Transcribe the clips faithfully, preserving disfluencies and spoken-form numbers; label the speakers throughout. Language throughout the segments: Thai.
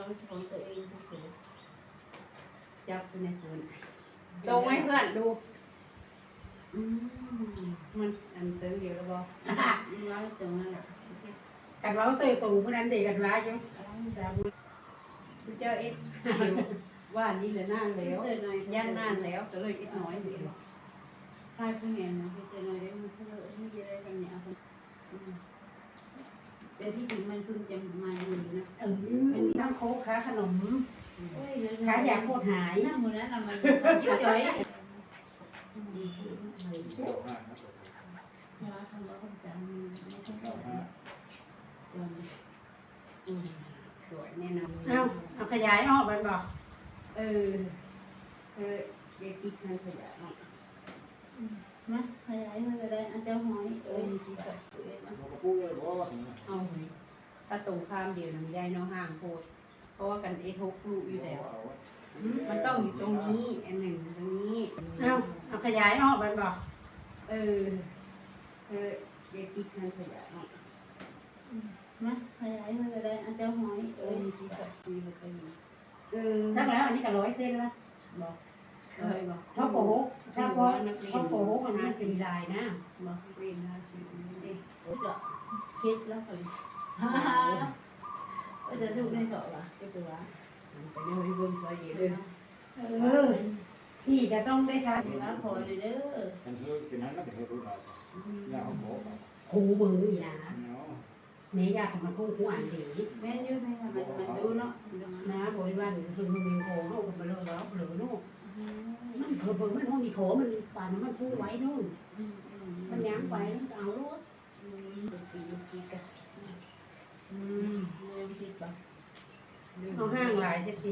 Speaker 1: ของตัวเองเฉย
Speaker 2: จับไปในคนตรงให้เพื่อนดู
Speaker 1: อืม
Speaker 2: มันอันเสริมเดียวแล้วบอก
Speaker 1: ร้อยตรงนั้นแหละ
Speaker 3: กันว่าเสยตูผู้นั้นเด็กกันว่าอยู่
Speaker 2: เจ้าเอ็ดว่านี่เหลือนานแล้วย่างนานแล้วก็เลยอีกน้อยเดียวใช่ผู้เห็นนะ
Speaker 1: เจอหน่อยได้มันเพื่อที่จะได้ทำเนี่ยเอาแต่ที่จริงมันเพิ่งจะมาอยู่นะ
Speaker 3: เออเป็นน้ำโค้กค้าขนม
Speaker 1: เฮ้ย
Speaker 3: ค้าอยากโคตรหาย
Speaker 1: น้ำมือนั้นทำไมยิ้มจ่อยว่าคำว่าคำจำไม่ต้องบอกจน
Speaker 2: อืมสวยแน่นอน
Speaker 3: เอาเอาขยายออกไปบอก
Speaker 2: เออเออเด็กกิ๊กนั่นขยะเนาะ
Speaker 1: นะขยายมันก็ได้อาจจะหอยเอ้ยที่กับตัวเองมัน
Speaker 2: เอาหยถ้าตรงข้ามเดียวน้ำยายเนาะห่างโพดเพราะว่ากันเอทกลูกอยู่แล้ว มันต้องอยู่ตรงนี้อันหนึ่งตรงนี้
Speaker 3: เอาเอาขยายออกไปบอก
Speaker 2: เออเออเด็กกิ๊กนั่นขยะเนาะ
Speaker 1: นะขยายมันก็ได้อาจจะหอยเอ้ยที่กับตัวเอง
Speaker 2: เออ
Speaker 3: ถ้าแล้วอันนี้ก็ร้อยเส้นละ
Speaker 2: บอกเลยบอก
Speaker 3: เพราะโป๊กถ้าเพราะเพราะโป๊กมันมาสีลายนะ
Speaker 2: บอกเรียนห้าสิบนี่
Speaker 1: โอ้ยคิดแล้วคนฮ่าก็จะถูกในสอบอ่ะก็ตัว
Speaker 2: ไปเรื่องเบิ่งซอยเดียวเลย
Speaker 3: เออพี่ก็ต้องได้ทาน
Speaker 1: เดี๋ยวว่าคอยเลยเด้อ
Speaker 3: ครูมืออีนะเนี่ยอยากมาคู่คู่อ่านดี
Speaker 1: แม่ยืดให้มันมันดูเนาะ
Speaker 3: นะบริวารคือมันมีโค้งเอาไปเลยแล้วเหลือนู่นมันเพิ่มมันห้องมีโค้มันป่านมันคู่ไว้นู่นมันย้ำไปแล้วเอาลูก
Speaker 1: ปีปีกัน
Speaker 2: อืม
Speaker 1: เรื่องคิดป่ะ
Speaker 3: เอาห้างหลายจะสิ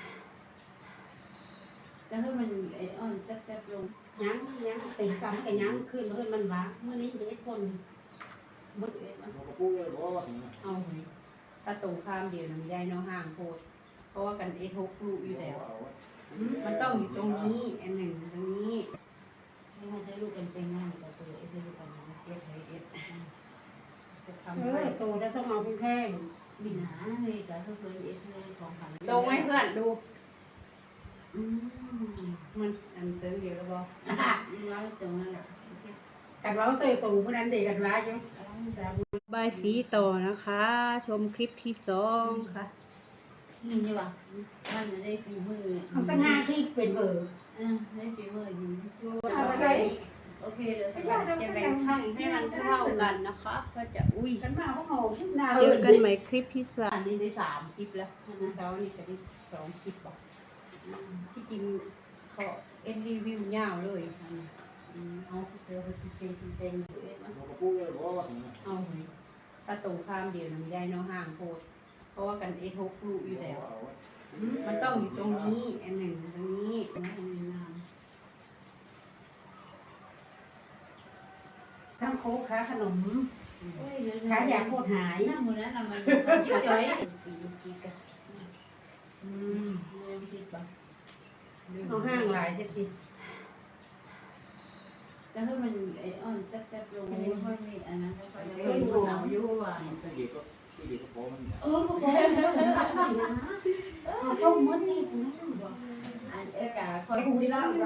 Speaker 1: แต่ถ้ามันไอ้อ่อนจับจับลง
Speaker 3: ย้ำย้ำตีกำกับย้ำขึ้นเพื่อนมันวะเมื่อนี้เด็กคน
Speaker 1: บุดเอ็ดมัน
Speaker 2: เอาหยถ้าตรงข้ามเดียวน้ำยายเนาะห่างโพดเพราะว่ากันเอทกลูกอยู่แล้ว มันต้องอยู่ตรงนี้อันหนึ่งตรงนี้
Speaker 1: ให้มันจะลูกกันเป็นงานกับตัวเอ็ดจะลูกกันเอ็ดให้เอ็ดจะทำ
Speaker 3: เอ
Speaker 1: ให้
Speaker 3: อโตแล้วต้องเอาแพง
Speaker 1: มีหนาเลยกับเพื่อนเอ็ดเลยของฝัน
Speaker 2: ตรงให้เพื่อนดู
Speaker 1: อืม
Speaker 2: มันอันเสริมเดียวแล้วบอก
Speaker 1: ร้อยตรงนั้นแหละ
Speaker 3: กันว่าเสยตูผู้นั้นเด็กกันว่าอยู่
Speaker 2: บายสีต่อนะคะ ชมคลิปที่สองค่ะ
Speaker 1: นี่ใช่ป่ะมันจะได้ฝีมือ
Speaker 3: เอาสักห้าที่เป็นเบอร์
Speaker 1: อ่าได้ฝีมืออยู่
Speaker 2: โอเคโอเคเดี๋ยวจะแบ่งช่องให้มันเท่ากันนะคะ ก็จะอุ้ย
Speaker 3: กันมาพวกเขาขึ้นดาว
Speaker 2: เจอกันใหม่คลิปที่สามอันนี้ได้สามคลิปแล้วนะเช้านี่จะได้สองคลิปบอกที่จริงขอเอ็นรีวิวยาวเลยอันนี้
Speaker 1: เอาเจอไปเต็มเต็มเอ็ดมัน
Speaker 2: เอาหยถ้าตรงข้ามเดียวน้ำยายเนาะห่างโพดเพราะว่ากันเอทกลูกอยู่แล้ว มันต้องอยู่ตรงนี้อันหนึ่งตรงนี้
Speaker 3: ทั้งโค้กค้าขนม
Speaker 1: เฮ้ย
Speaker 3: ค้าอยากโคตรหาย
Speaker 1: น้ำมือนั้นทำไมยิ้มจ่อยปีปีกัน
Speaker 2: อืม
Speaker 1: เรื่องคิดป่ะ
Speaker 3: เอาห้างหลายจะสิ
Speaker 1: แต่ถ้ามันไอ้อ่อนจับจับลงไม่ค่อยมีอันนั้นไม่ค่อย
Speaker 3: เฮ้ยหนูเอาอยู่ว่ะ
Speaker 1: เออก็บอกนะเออต้องมันนี่นะบอกอันเอกาคอยคุยเล่าว่า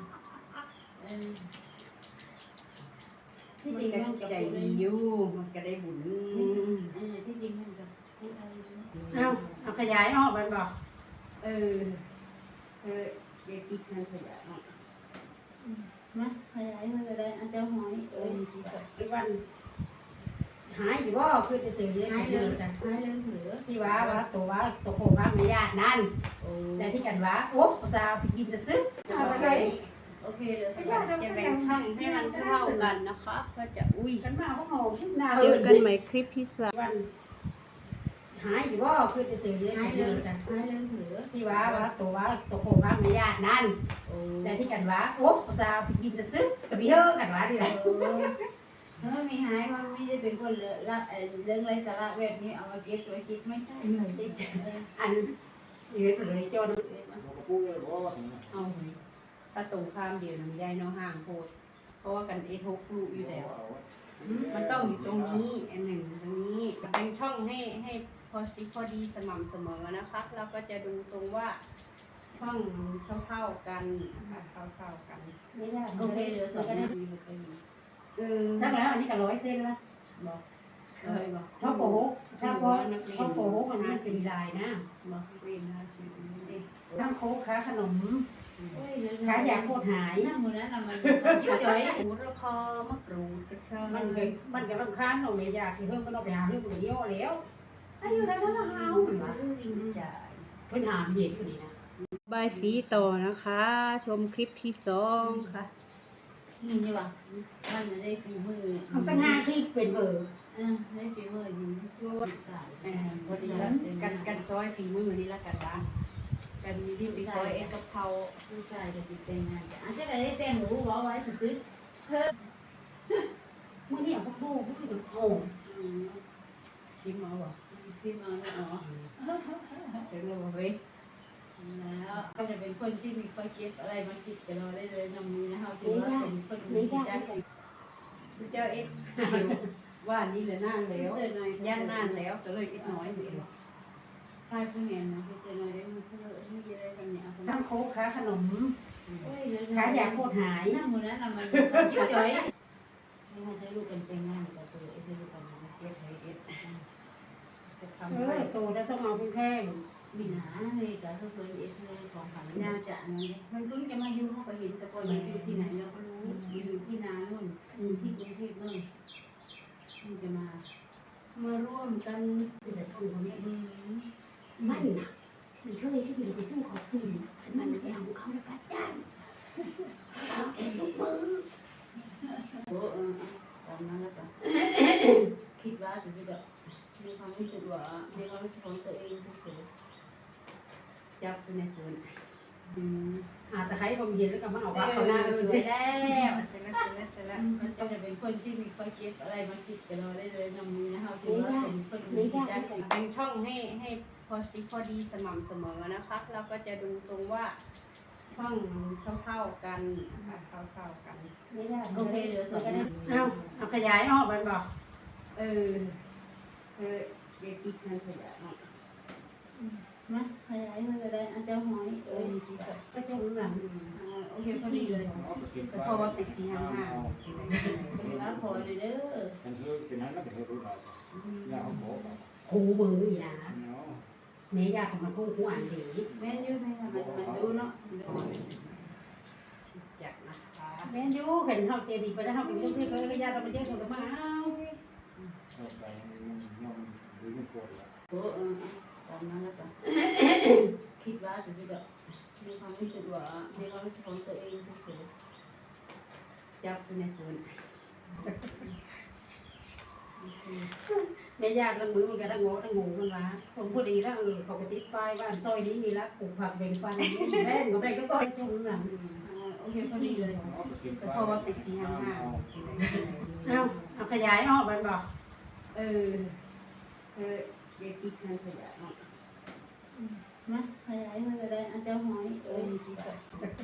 Speaker 1: ที่
Speaker 2: มัน
Speaker 1: จริง
Speaker 2: ก็
Speaker 1: มันกับ
Speaker 2: ใจดีอยู่มันก็ได้บุญ
Speaker 1: เออที่จริงมันกับพูดอะไร
Speaker 3: เอาเอาขยายออกไปบอก
Speaker 2: เออเออเด็กกิ๊กนั่นขยะเนาะ
Speaker 1: นะขยายมันก็ได้อาจจะหอยเอ้ยที่กับ
Speaker 3: บริวารหายอยู่ว่าคือจะเจอเรื่อง
Speaker 1: หาย
Speaker 3: เดิ
Speaker 1: เรื่อ
Speaker 3: มกัน
Speaker 1: หายเรื่องเหลือ
Speaker 3: ที่ว่าว่าตัวว่าตัวโค้งว่าไม่ญาตินั่น
Speaker 2: โอ้
Speaker 3: แต่ที่กันว่าโอ้สาวไปกินจะซื้อ
Speaker 2: โอเคโอเคเดี๋ยวจะแบ่งช่องให้มันเท่ากันนะคะ ก็จะอุ้ย
Speaker 3: กันมาพวกเขาขึ้นดาว
Speaker 2: เจอกันใหม่คลิปที่สาม
Speaker 3: วันหายอยู่ว่าคือจะเจอเรื่อง
Speaker 1: หาย
Speaker 3: เดิ
Speaker 1: เรื่อง
Speaker 3: มกัน
Speaker 1: หายเรื่องเหลือ
Speaker 3: ที่ว่าว่าตัวว่าตัวโค้งว่าไม่ญาตินั่น
Speaker 2: โอ้
Speaker 3: แต่ที่กันว่าโอ้สาวไปกินจะซื้อกับพี่เฮอกันว่าที่ไหน
Speaker 1: เออมีหายมันไม่ได้เป็นคนเลอะละเรื่องไรสาระแบบนี้เอามาเก็บไว้คิดไม่ใช่ติด
Speaker 3: อันอยู่เลยจน
Speaker 2: เอาหยถ้าตรงข้ามเดียวน้ำยายเนาะห่างโพดเพราะว่ากันเอทกลูกอยู่แล้ว มันต้องอยู่ตรงนี้อันหนึ่งตรงนี้แบ่งช่องให้ให้อดีพอดีสม่ำเสมอนะคะเราก็จะดูตรงว่าช่องเท่าๆกันนะคะเท่าๆกัน
Speaker 3: ไม่ยาก
Speaker 1: โอเคเหลือสอง
Speaker 3: ก็ได้
Speaker 2: เออ
Speaker 3: ถ้าแล้วอันนี้ก็ร้อยเส้นละ
Speaker 2: บอกเคยบอก
Speaker 3: ถ้าโป๊ะถ้าโป๊ะถ้าโป๊ะมันมันสีลายนะ
Speaker 2: บอกเรียนห้าสิบนี่
Speaker 3: ทั้งโค้กค้าขนม
Speaker 1: โอ้ยเหลือ
Speaker 3: ค้าอยากโคตรหาย
Speaker 1: น้ำมือนั้นมันยิ้มจ่อย
Speaker 2: หมูระพอมะกรูดกระชาย
Speaker 3: มันก็มันก็รำคาญเราไม่อยากที่เพิ่มมันเอาไปหาเพิ่มไปเยอะแล้วอายุแล้วก็หาวเหมือนว่า
Speaker 2: ลิงจ่าย
Speaker 3: เพิ่นหามเห็นอยู่นี่นะ
Speaker 2: บายสีต่อนะคะ ชมคลิปที่สองค่ะ
Speaker 1: นี่ใช่ป่ะมันจะได้ฝีมือ
Speaker 3: เอาสักห้าคลิปเป็นเบอร์
Speaker 1: เออได้ฝีมือยิงช่วยใส่
Speaker 2: เออพอดีแล้วกันกันซอยฝีมือนี่ละกันบ้างกันมีที่ไปซอยเอ็กกะเพรา
Speaker 1: ผู้ชายจะติดแต่งงานอาจจะได้แต่งหนูบอกไว้สุด
Speaker 3: มื่อนี้เอาพวกลูกพวกคือโอ้
Speaker 2: อืมชิมเอาบ่
Speaker 1: ๆที่มาเนี่ยอ๋อ
Speaker 2: ถึงแล้วบ่เว้ย
Speaker 1: แล้วก็จะเป็นคนที่มีความคิดอะไรมาคิดกับเราได้เลยนำนี้นะคะถือว่าเป็นคนมีใจ
Speaker 2: เจ้าเอ็กว่านี่แหละนานแล้วย่านนานแล้วก็เลยอีกน้อยนี่
Speaker 1: ใครผู้เห็นนะที่จะน้อยได้มีเพื่อนที่จะได้กันเนี่ย
Speaker 3: ทั้งโค้กค้าขนม
Speaker 1: โอ้ยเหลือ
Speaker 3: ค้าอยากโคตรหาย
Speaker 1: น้ำมือนั้นมันยิ้มจ่อยนี่มันจะลูกกันแต่งงานกับตัวเองจะลูกกันเก็บให้เก็บจะทำ
Speaker 3: เอ
Speaker 1: ให้
Speaker 3: อโตแล้วต้องเอาเป็นแพง
Speaker 1: มีหนาเลยแต่ถ้าเคยเอ็กซ์เลยของผันน่าจะนั่นเลยมันเพิ่งจะมาอยู่เขาก็เห็นแต่พออยู่ที่ไหนเราก็รู้อยู่ที่นาโน่นอยู่ที่กรุงเทพโน่นมันจะมามาร่วมกัน
Speaker 3: แต่ทำคนนี้
Speaker 1: อืม
Speaker 3: มันน่ะมันเคยที่เราไปสู้เขาคืนมันไปเอาเขาแล้วก็จ้างเอาเองทุกมือ
Speaker 1: โอ้เออตามนั้นแล้วกันคิดว่าจะจะแบบมีความรู้สึกว่ามีความรู้สึกของตัวเองเฉย
Speaker 2: จับในคืน
Speaker 1: ๆอืม
Speaker 3: อาจจะให้ความเย็นแล้วก็มาเอาว่าเขาหน้าเออ
Speaker 2: สวยแล้วเสร็จแล้วเสร็จแล้วเสร็จแล้ว
Speaker 1: มันก็จะเป็นคนที่มีความคิดอะไรมาคิดกับเราได้เลยนำนี้นะคะถือว่าเป็นคนมีใจ
Speaker 2: เป็นช่องให้ให้พอดีพอดีสม่ำเสมอนะคะเราก็จะดูตรงว่าช่องเท่าๆกันนะคะเท่าๆกัน
Speaker 3: ไม่ได้
Speaker 1: โอเคเหลือสอง
Speaker 3: เอาเอาขยายออกมันบอก
Speaker 2: เออเออเด็กอีกนั่นขยะเนาะ
Speaker 1: นะขยายเลยก็ได้อาจจะหอยเอ
Speaker 2: เอ
Speaker 1: อ
Speaker 2: อที่แบบ
Speaker 3: ก็จะรู้หลัง
Speaker 2: อ่าโอเคพอดีเลยแต่เพราะว่าเป็นสีห้างห้าง
Speaker 1: เป็นว่าขอเลยเด้อ
Speaker 4: ฉันเธอเป็นนั้นก็เป็นเธอรู้เราอย่าเอาโผล่ไป
Speaker 3: ครูเบอร์อีนะ
Speaker 4: เนาะ
Speaker 3: แม่อยากมากู้คู่อ่านดี
Speaker 1: แม่นยูไหมคะมันมันดูเนาะ
Speaker 2: จักนะคะ
Speaker 3: แม่ยูเห็นเขาเจดีไปแล้วเขาเป็นเรื่องที่เขาไม่ยากเราไปเยอะคนก็มาเอา
Speaker 4: เอาไปมันมันหรือมันปวดละ
Speaker 1: โอ้เออตามนั้นแล้วกันคิดว่าจะจะแบบมีความรู้สึกว่ามีความรู้สึกของตัวเองเฉย
Speaker 2: จับในคืน
Speaker 3: แม่ยากละมือมันก็ตั้งโง่ตั้งงูกันวะสมพอดีแล้วเออเขาก็ติดป้ายบ้านซอยนี้มีรักปลูกผักเบ่งปันแม่ก็ไปก็ซอยตรงหลัง
Speaker 1: ๆโอเคพอดีเลย
Speaker 4: เอาไปกิน
Speaker 2: แต่เพราะว่าเป็นสีห้างห้าง
Speaker 3: เอาเอาขยายออกมันบอก
Speaker 2: เออเออเด็กอีกนั่นขยะเนาะ
Speaker 1: นะขยายเลยก็ได้อาจจะหอยเอ
Speaker 2: เอ
Speaker 1: อ
Speaker 2: อที่แบบ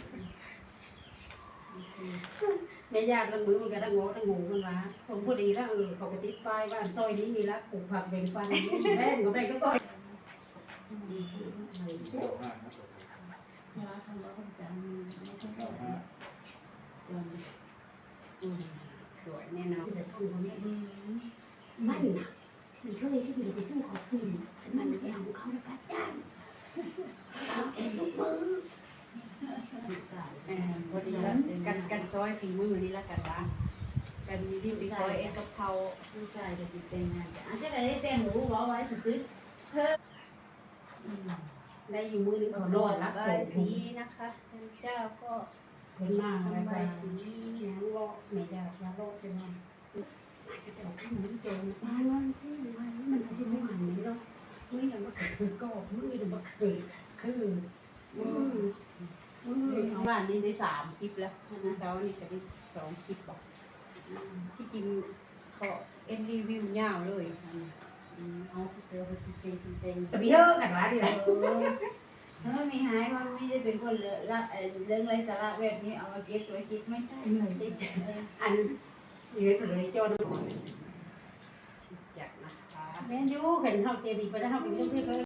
Speaker 3: แม่ยากละมือมันก็ตั้งโง่ตั้งงูกันวะสมพอดีแล้วเออเขาก็ติดป้ายบ้านซอยนี้มีรักปลูกผักเบ่งปันแม่ก็ไปก็ซอย
Speaker 4: โผล่ห้านะ
Speaker 1: เวลาทำแล้วคนจำไม่ต้อง
Speaker 4: เอาห้า
Speaker 1: จำ
Speaker 2: อืมสวยแน่นอน
Speaker 3: แต่ทำคนนี้
Speaker 1: อืม
Speaker 3: มันน่ะมันเคยที่เราไปสู้เขาคืนมันไปเอาเขาแล้วก็จ้างเอาเองทุกมือ
Speaker 1: ใส่
Speaker 2: เออพอดีแล้วกันกันซอยฝีมือนี่ละกันบ้างกันมีที่ไปซอยเอ็กกะเพรา
Speaker 1: ผู้ชายจะติดแต่งงานอาจจะได้แต่งหนูบอกไว้สุด
Speaker 3: ได้อยู่มือนึงเขารอดรับ
Speaker 2: ใบ
Speaker 3: ส่ง
Speaker 2: สีนะคะท่านเจ้าก็
Speaker 3: คนมาอะไร
Speaker 2: ทำใบ
Speaker 3: ไป
Speaker 2: สี
Speaker 3: ยังรอไม่ได้ยังรอจะมาแต่ข้างนี้โจรมาวันที่วันมันอาจจะไม่มันนี้หรอกมือยังมาเกิดก็มือยังมาเกิดคือมือมือ
Speaker 2: บ้านนี้ได้สามคลิปแล้วนะเช้านี่จะได้สองคลิปบอกที่จริงก็เอ็นรีวิวยาวเลยอืมเอาเจอไปจริงจริงจริง
Speaker 3: จะมีเยอะกันวะเดี๋ยว
Speaker 1: ๆถ้ามีหายว่าไม่ได้เป็นคนเลอะละเรื่องไรสาระแบบนี้เอามาเก็บไว้คิดไม่ใช่
Speaker 3: อันยืดเลยโจร
Speaker 2: จักนะคะ
Speaker 3: แม่นอยู่เห็นเฮาเจดีไปแล้วเฮาไปเรื่อยๆ